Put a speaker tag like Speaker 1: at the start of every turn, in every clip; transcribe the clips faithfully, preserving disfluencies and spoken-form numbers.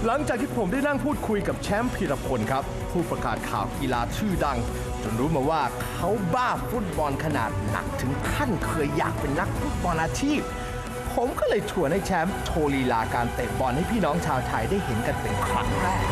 Speaker 1: หลังจากที่ผมได้นั่งพูดคุยกับแชมป์พีรพลครับผู้ประกาศข่าวกีฬาชื่อดังจนรู้มาว่าเขาบ้าฟุตบอลขนาดหนักถึงขั้นเคยอยากเป็นนักฟุตบอลอาชีพผมก็เลยชวนให้แชมป์โชว์ลีลาการเตะบอลให้พี่น้องชาวไทยได้เห็นกันเป็นครั้งแรก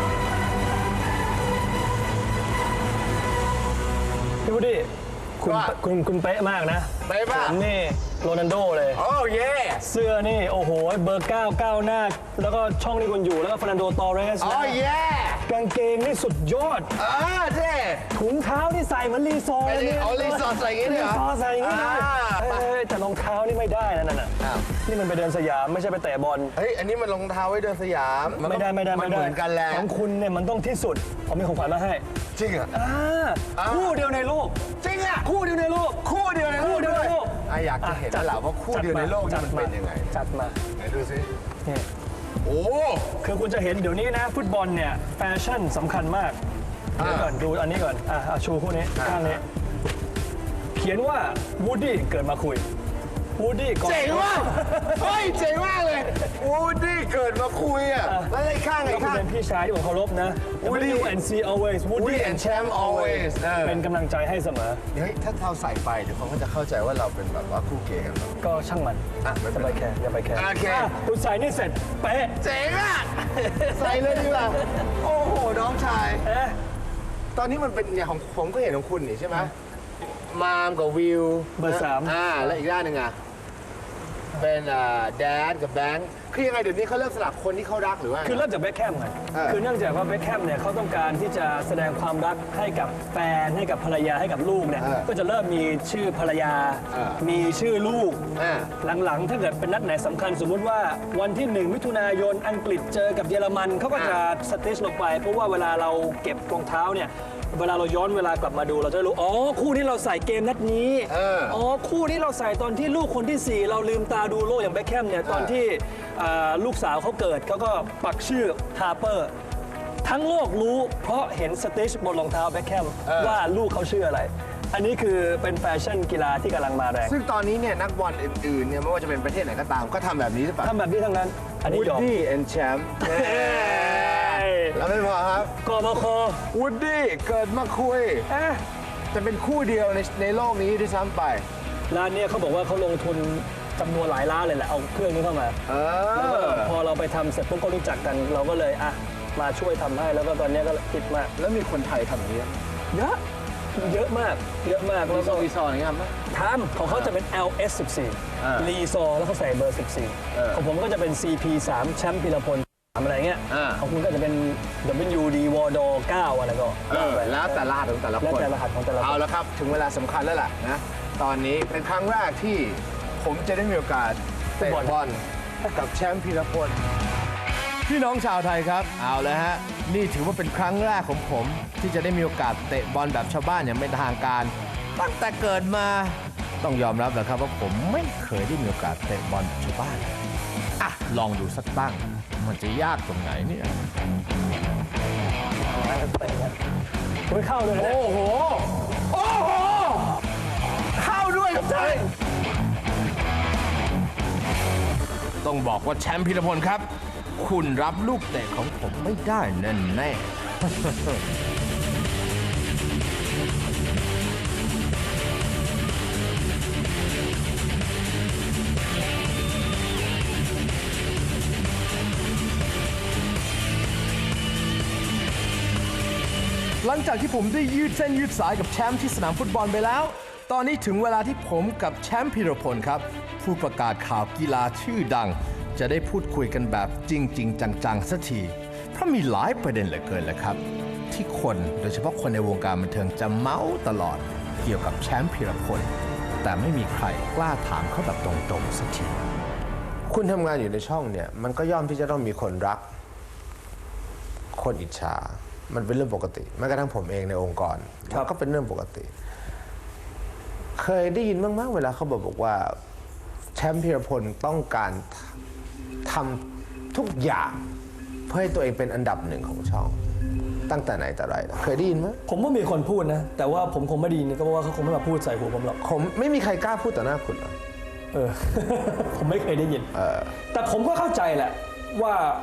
Speaker 2: พี่วูดดี้คุณคุณคุณเป๊ะมากนะ
Speaker 3: เป๊ะมาก
Speaker 2: ผมนี่โรนัลโดเลย
Speaker 3: โอ้เย่
Speaker 2: เสื้อนี่โอ้โหเบอร์เก้าเก้าหน้าแล้วก็ช่องนี่คุณอยู่แล้วก็ฟาร์นันโดตอเรส
Speaker 3: โอ้เย่
Speaker 2: กางเกงนี่สุดยอด
Speaker 3: เออเท่
Speaker 2: ถุงเท้านี่ใส่เหมือนรีซอร์
Speaker 3: นี่เอารีซอร์ใส่อย่างนี้เลยเหรอ
Speaker 2: รีซอร์ใส่อย่างนี้เลยแต่รองเท้านี่ไม่ได้นะนั่นน่ะนี่มันไปเดินสยามไม่ใช่ไปเตะบอล
Speaker 3: เฮ้ยอันนี้มันรองเท้าไว้เดินสยาม
Speaker 2: ไม่ได้ไม่ได้ไม่ได้
Speaker 3: เหมือนกันแหละ
Speaker 2: ของคุณเนี่ยมันต้องที่สุดผมมีของขวัญมาให้
Speaker 3: จริงอ่ะ
Speaker 2: คู่เดียวในโลก
Speaker 3: จริงอ่ะ
Speaker 2: คู่เดียวในโลก
Speaker 3: คู่เดียวในโลก
Speaker 2: คู่เดียวในโลก
Speaker 3: อยากจะเห็นแล้วแหละว่าคู่เดียวในโลกนี่มันเป็นยังไง
Speaker 2: จัดมา
Speaker 3: ไหนดูสิ
Speaker 2: นี่
Speaker 3: โอ้
Speaker 2: คือคุณจะเห็นเดี๋ยวนี้นะฟุตบอลเนี่ยแฟชั่นสำคัญมากเดี๋ยวก่อนดูอันนี้ก่อนอ่ะชูคู่นี้ข้างนี้เขียนว่าวูดดี้เกิดมาคุยวูดดี้
Speaker 3: เจ๋งว่ะเฮ้ยเจ๋งมากเลยวูดดี้เกิดมาคุยอ่ะแล้วไอ้ข้างไอ้ข้าง
Speaker 2: เป็นพี่ชายที่ผมเคารพนะ
Speaker 3: Woody
Speaker 2: and see always
Speaker 3: Woody and Champ always
Speaker 2: เป็นกำลังใจให้เสมอ
Speaker 3: เฮ้ยถ้าเราใส่ไปเดี๋ยวเขาก็จะเข้าใจว่าเราเป็นแบบว่าคู่เกย์กัน
Speaker 2: ก็ช่างมัน
Speaker 3: อ่ะ
Speaker 2: อย่าไปแคร์อย่าไปแคร์
Speaker 3: โอเค
Speaker 2: คุณใส่นี่เสร็จเป๊ะ
Speaker 3: เจ๋งอ่ะใส่เลยดีกว่าโอ้โหน้องชายตอนนี้มันเป็นอย่างของผมก็เห็นของคุณนี่ใช่ไหมมามกับวิว
Speaker 2: เบอร์สาม
Speaker 3: อ่าแล้วอีกด้านหนึ่งอ่ะเป็นแดนกับแบงค์คือยังไงเดี๋ยวนี้เขาเริ่มสลับคนที่เขารักหรือว่า
Speaker 2: คือเริ่มจากเบคแฮมไงคือเนื่องจากว่าเบคแฮมเนี่ยเขาต้องการที่จะแสดงความรักให้กับแฟนให้กับภรรยาให้กับลูกเนี่ยก็จะเริ่มมีชื่อภรรยามีชื่อลูกหลังๆถ้าเกิดเป็นนัดไหนสำคัญสมมุติว่าวันที่หนึ่งมิถุนายนอังกฤษเจอกับเยอรมันเขาก็จะสเตชลงไปเพราะว่าเวลาเราเก็บรองเท้าเนี่ยเวลาเราย้อนเวลากลับมาดูเราจะรู้อ๋อคู่ที่เราใส่เกมนัดนี้อ๋อคู่ที่เราใส่ตอนที่ลูกคนที่สี่เราลืมตาดูโลกอย่างเบคแฮมเนี่ยตอนที่ลูกสาวเขาเกิดเขาก็ปักชื่อฮาร์เปอร์ทั้งโลกรู้เพราะเห็นสเตชบนรองเท้าเบคแฮมว่าลูกเขาชื่ออะไรอันนี้คือเป็นแฟชั่นกีฬาที่กำลังมาแรง
Speaker 3: ซึ่งตอนนี้เนี่ยนักบอลอื่นๆเนี่ยไม่ว่าจะเป็นประเทศไหนก็ตามก็ทำแบบนี้หรือเปล่า
Speaker 2: ทำแบบนี้ทั้งนั้น
Speaker 3: อันนี้ Woody and Champ แล้วไม่พอครับ
Speaker 2: กบค
Speaker 3: Woody เกิดมาคุยจะเป็นคู่เดียวในในโลกนี้ด้วยซ้ำไป
Speaker 2: ร้านนี้เขาบอกว่าเขาลงทุนจำนวนหลายล้านเลยแหละเอาเครื่องนี้เข้ามาแล้วก็พอเราไปทำเสร็จปุ๊บก็รู้จักกันเราก็เลยอ่ะมาช่วยทำให้แล้วก็ตอนนี้ก็คิดมาก
Speaker 3: แล้วมีคนไทยทำอย่างนี้
Speaker 2: เยอะเยอะมากเยอะมาก
Speaker 3: แล้วก็รีซอร์อย่างเงี้ยมั้ย
Speaker 2: ทำของเขาจะเป็น แอล เอส สิบสี่รีซอร์แล้วเขาใส่เบอร์สิบสี่ของผมก็จะเป็น ซี พี สาม แชมป์พีรพลอะไรเงี้ยของคุณก็จะเป็น ดับเบิลยู ดี วอร์ดอเก้าอะไรก็
Speaker 3: แล้วแต่รหัสของแต่ละคนแล้ว
Speaker 2: แต่รหัสของแต่ละคน
Speaker 3: เอาละครับถึงเวลาสำคัญแล้วล่ะนะตอนนี้เป็นครั้งแรกที่ผมจะได้มีโอกาสเตะบอลกับแชมป์พีรพลพี่น้องชาวไทยครับเอาเลยฮะนี่ถือว่าเป็นครั้งแรกของผมที่จะได้มีโอกาสเตะบอลแบบชาวบ้านอย่างเป็นทางการตั้งแต่เกิดมาต้องยอมรับนะครับว่าผมไม่เคยได้มีโอกาสเตะบอลแบบชาวบ้านอ่ะลองดูสักตั้งมันจะยากตรงไหนเนี่ย
Speaker 2: ไม่เข้าเลยนะ
Speaker 3: โอ้โหโอ้โหเข้าด้วยครับท่านต้องบอกว่าแชมป์พีรพลครับคุณรับลูกเตะของผมไม่ได้แน่แน่หลังจากที่ผมได้ยืดเส้นยืดสายกับแชมป์ที่สนามฟุตบอลไปแล้วตอนนี้ถึงเวลาที่ผมกับแชมป์พีรพลครับผู้ประกาศข่าวกีฬาชื่อดังจะได้พูดคุยกันแบบจริงๆจังๆสักทีเพราะมีหลายประเด็นเหลือเกินเลยครับที่คนโดยเฉพาะคนในวงการบันเทิงจะเมาส์ตลอดเกี่ยวกับแชมป์พีรพลแต่ไม่มีใครกล้าถามเขาแบบตรงๆสักทีคุณทำงานอยู่ในช่องเนี่ยมันก็ย่อมที่จะต้องมีคนรักคนอิจฉามันเป็นเรื่องปกติแม้กระทั่งผมเองในองค์กรก็เป็นเรื่องปกติเคยได้ยินบ้างไหมเวลาเขาบอกว่าแชมป์พีรพลต้องการทำทุกอย่างเพื่อให้ตัวเองเป็นอันดับหนึ่งของช่องตั้งแต่ไหนแต่ไรเคยได้ยินไหม
Speaker 2: ผมว่ามีคนพูดนะแต่ว่าผมคงไม่ได้ยินก็เพราะว่าเขาคงไม่มาพูดใส่หูผมหรอก
Speaker 3: ผมไม่มีใครกล้าพูดต่อหน้าคุณหรอก
Speaker 2: เออ ผมไม่เคยได้ยินแต่ผมก็เข้าใจแหละว่า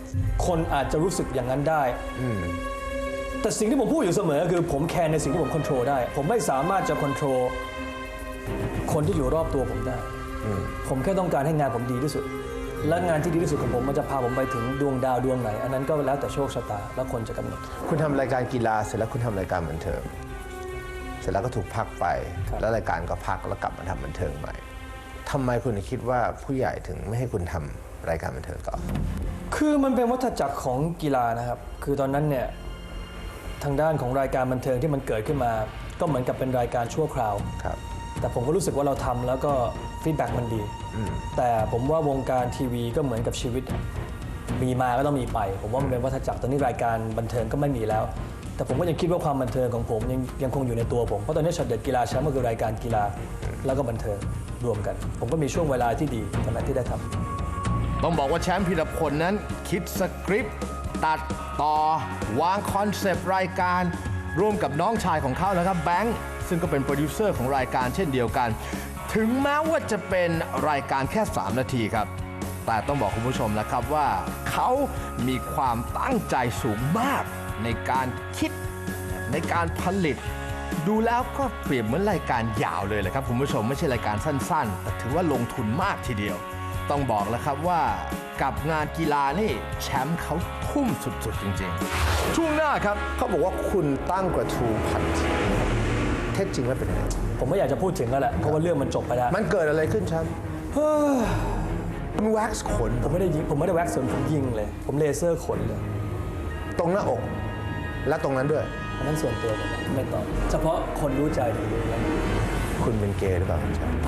Speaker 2: คนอาจจะรู้สึกอย่างนั้นได้แต่สิ่งที่ผมพูดอยู่เสมอคือผมแคร์ในสิ่งที่ผมควบคุมได้ ผมไม่สามารถจะควบคุมคนที่อยู่รอบตัวผมได้ผมแค่ต้องการให้งานผมดีที่สุดและงานที่ดีที่สุดของผมมันจะพาผมไปถึงดวงดาวดวงไหนอันนั้นก็แล้วแต่โชคชะตาและคนจะกำหนด
Speaker 3: คุณทำรายการกีฬาเสร็จแล้วคุณทำรายการบันเทิงเสร็จแล้วก็ถูกพักไปแล้วรายการก็พักแล้วกลับมาทำบันเทิงใหม่ทำไมคุณถึงคิดว่าผู้ใหญ่ถึงไม่ให้คุณทำรายการบันเทิงต่อ
Speaker 2: คือมันเป็นวัฏจักรของกีฬานะครับคือตอนนั้นเนี่ยทางด้านของรายการบันเทิงที่มันเกิดขึ้นมาก็เหมือนกับเป็นรายการชั่วคราว
Speaker 3: ครับ
Speaker 2: แต่ผมก็รู้สึกว่าเราทำแล้วก็ฟีดแบ็กมันดีแต่ผมว่าวงการทีวีก็เหมือนกับชีวิตมีมาก็ต้องมีไปผมว่ามันเป็นวัฏจักรตอนนี้รายการบันเทิงก็ไม่มีแล้วแต่ผมก็ยังคิดว่าความบันเทิงของผมยังยังคงอยู่ในตัวผมเพราะตอนนี้ช็อตเด็ดกีฬาแชมป์ก็คือรายการกีฬาแล้วก็บันเทิงรวมกันผมก็มีช่วงเวลาที่ดีตอนนั้นที่ได้ทำ
Speaker 1: ต้องบอกว่าแชมป์พีรพลนั้นคิดสคริปต์ตัดต่อวางคอนเซปต์รายการร่วมกับน้องชายของเขานะครับแบงค์ซึ่งก็เป็นโปรดิวเซอร์ของรายการเช่นเดียวกันถึงแม้ว่าจะเป็นรายการแค่สามนาทีครับแต่ต้องบอกคุณผู้ชมนะครับว่าเขามีความตั้งใจสูงมากในการคิดในการผลิตดูแล้วก็เปรียบเหมือนรายการยาวเลยแหละครับคุณผู้ชมไม่ใช่รายการสั้นๆแต่ถือว่าลงทุนมากทีเดียวต้องบอกแล้วครับว่ากับงานกีฬานี่แชมป์เขาทุ่มสุดๆจริงๆช่วงหน้าครับ
Speaker 3: เขาบอกว่าคุณตั้งกระทู้พันทีเท็จจริงแล้วเป็นยังไง
Speaker 2: ผมไม่อยากจะพูดถึงแล้วแหละเพราะว่าเรื่องมันจบไปแล้ว
Speaker 3: มันเกิดอะไรขึ้นแชมป์มันแว็กซ์ขน
Speaker 2: ผมไม่ได้ยิงผมไม่ได้แว็กซ์ขนผมยิงเลยผมเลเซอร์ขนเลย
Speaker 3: ตรงหน้าอกและตรงนั้นด้วย
Speaker 2: อันนั้นส่วนตัวผมไม่ตอบเฉพาะคนรู้ใจดี
Speaker 3: คุณเป็นเกย์หรือเปล่าคุณแชมป์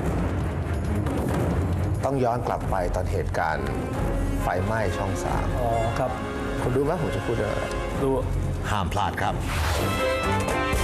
Speaker 3: ต้องย้อนกลับไปตอนเหตุการณ์ไฟไหม้ช่องสาม
Speaker 2: อ๋อครับ
Speaker 3: คุณรู้ไหมผมจะพูดอะไร
Speaker 2: รู้
Speaker 1: ห้ามพลาดครับ